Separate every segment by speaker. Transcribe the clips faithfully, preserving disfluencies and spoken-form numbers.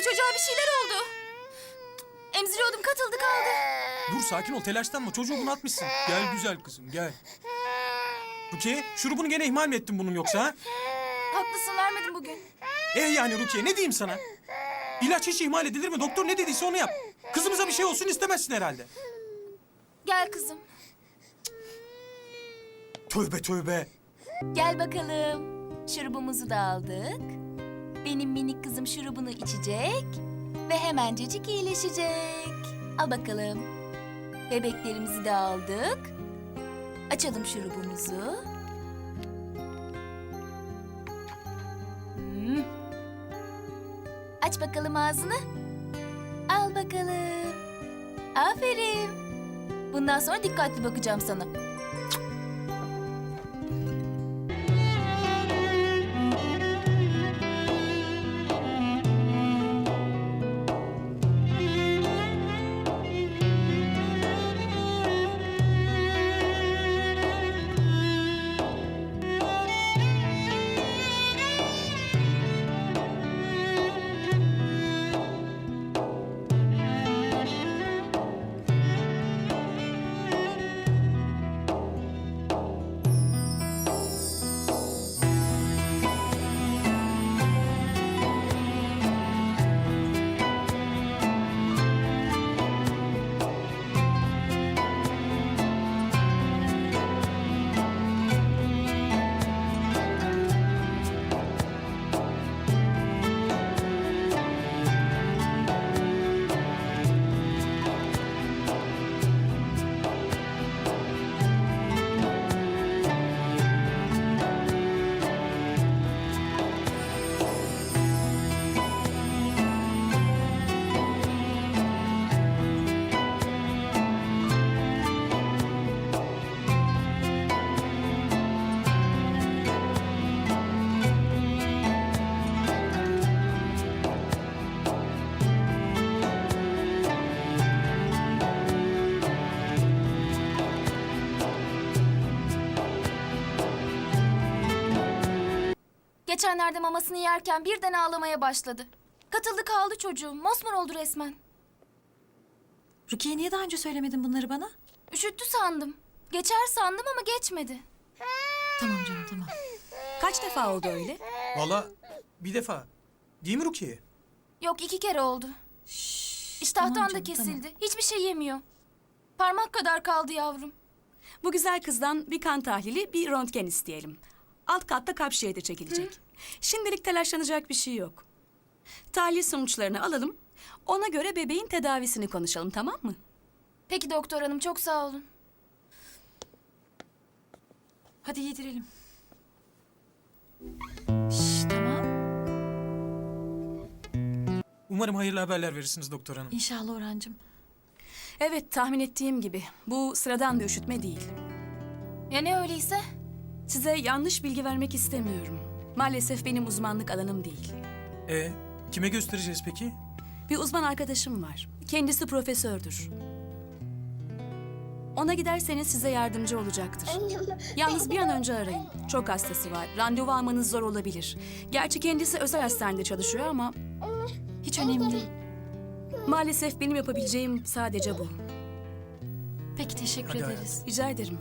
Speaker 1: çocuğa bir şeyler oldu. Emziriyordum, katıldı kaldı.
Speaker 2: Dur sakin ol, telaşlanma. Çocuğu bunaltmışsın. Gel güzel kızım, gel. Rukiye, şurubunu gene ihmal mi ettin bunun yoksa ha?
Speaker 1: Haklısın, vermedim bugün.
Speaker 2: Eh yani Rukiye, ne diyeyim sana? İlaç hiç ihmal edilir mi? Doktor ne dediyse onu yap. Kızımıza bir şey olsun istemezsin herhalde.
Speaker 1: Gel kızım.
Speaker 2: Tövbe tövbe.
Speaker 1: Gel bakalım. Şurubumuzu da aldık. Benim minik kızım şurubunu içecek ve hemencecik iyileşecek. Al bakalım. Bebeklerimizi de aldık. Açalım şurubumuzu. Hmm. Aç bakalım ağzını. Al bakalım. Aferin. Bundan sonra dikkatli bakacağım sana. Geçenlerde mamasını yerken birden ağlamaya başladı. Katıldı kaldı çocuğum. Mosmor oldu resmen.
Speaker 3: Rukiye niye daha önce söylemedin bunları bana?
Speaker 1: Üşüttü sandım. Geçer sandım ama geçmedi.
Speaker 3: Tamam canım tamam. Kaç defa oldu öyle?
Speaker 2: Vallahi bir defa. Değil mi Rukiye?
Speaker 1: Yok, iki kere oldu.
Speaker 3: Şşş,
Speaker 1: İştahtan
Speaker 3: tamam
Speaker 1: da
Speaker 3: canım,
Speaker 1: kesildi.
Speaker 3: tamam.
Speaker 1: Hiçbir şey yemiyor. Parmak kadar kaldı yavrum.
Speaker 4: Bu güzel kızdan bir kan tahlili, bir röntgen isteyelim. Alt katta kalp şehidi çekilecek. Şimdilik telaşlanacak bir şey yok. Tahlil sonuçlarını alalım. Ona göre bebeğin tedavisini konuşalım, tamam mı?
Speaker 1: Peki doktor hanım, çok sağ olun.
Speaker 3: Hadi yedirelim. Şşş tamam.
Speaker 2: Umarım hayırlı haberler verirsiniz doktor hanım.
Speaker 3: İnşallah Orhancığım.
Speaker 4: Evet, tahmin ettiğim gibi. Bu sıradan bir üşütme değil.
Speaker 1: Ya ne öyleyse?
Speaker 4: Size yanlış bilgi vermek istemiyorum. Maalesef benim uzmanlık alanım değil.
Speaker 2: E kime göstereceğiz peki?
Speaker 4: Bir uzman arkadaşım var. Kendisi profesördür. Ona giderseniz size yardımcı olacaktır. Yalnız bir an önce arayın. Çok hastası var. Randevu almanız zor olabilir. Gerçi kendisi özel hastanede çalışıyor ama
Speaker 3: Hiç önemli değil.
Speaker 4: maalesef benim yapabileceğim sadece bu.
Speaker 3: Peki teşekkür
Speaker 2: Hadi
Speaker 3: ederiz.
Speaker 4: Rica ederim.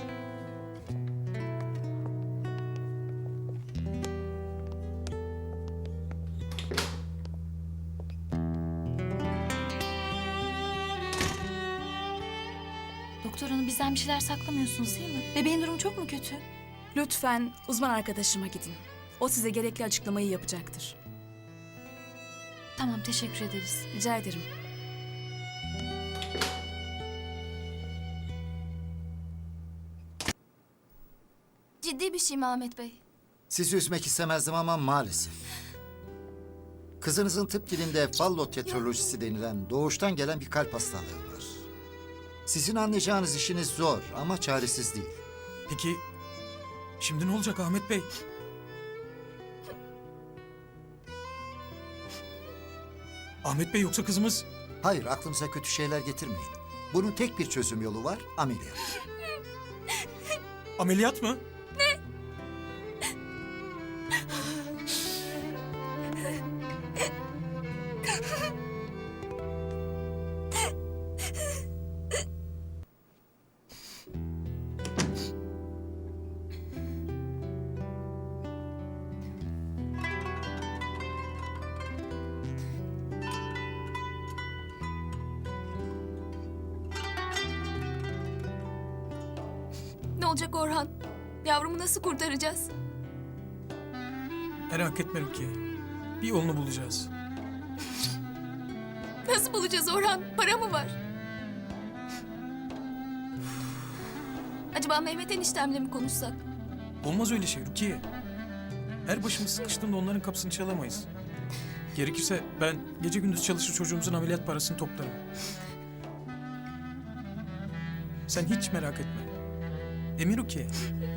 Speaker 3: Doktor hanım bizden bir şeyler saklamıyorsunuz değil mi? Bebeğin durumu çok mu kötü?
Speaker 4: Lütfen uzman arkadaşıma gidin. O size gerekli açıklamayı yapacaktır.
Speaker 3: Tamam teşekkür ederiz.
Speaker 4: Rica ederim.
Speaker 1: Ciddi bir şey mi Ahmet Bey?
Speaker 5: Sizi üzmek istemezdim ama maalesef. Kızınızın tıp dilinde fallotetralojisi denilen doğuştan gelen bir kalp hastalığı var. Sizin anlayacağınız işiniz zor ama çaresiz değil.
Speaker 2: Peki şimdi ne olacak Ahmet Bey? Ahmet Bey yoksa kızımız...
Speaker 5: Hayır, aklınıza kötü şeyler getirmeyin. Bunun tek bir çözüm yolu var, ameliyat.
Speaker 2: Ameliyat mı?
Speaker 1: Ne olacak Orhan? Yavrumu nasıl kurtaracağız?
Speaker 2: Merak etme Rukiye. Bir yolunu bulacağız.
Speaker 1: Nasıl bulacağız Orhan? Para mı var? Acaba Mehmet eniştemle mi konuşsak?
Speaker 2: Olmaz öyle şey Rukiye. Her başımız sıkıştığında onların kapısını çalamayız. Gerekirse ben gece gündüz çalışır çocuğumuzun ameliyat parasını toplarım. Sen hiç merak etme. Emin Rukiye.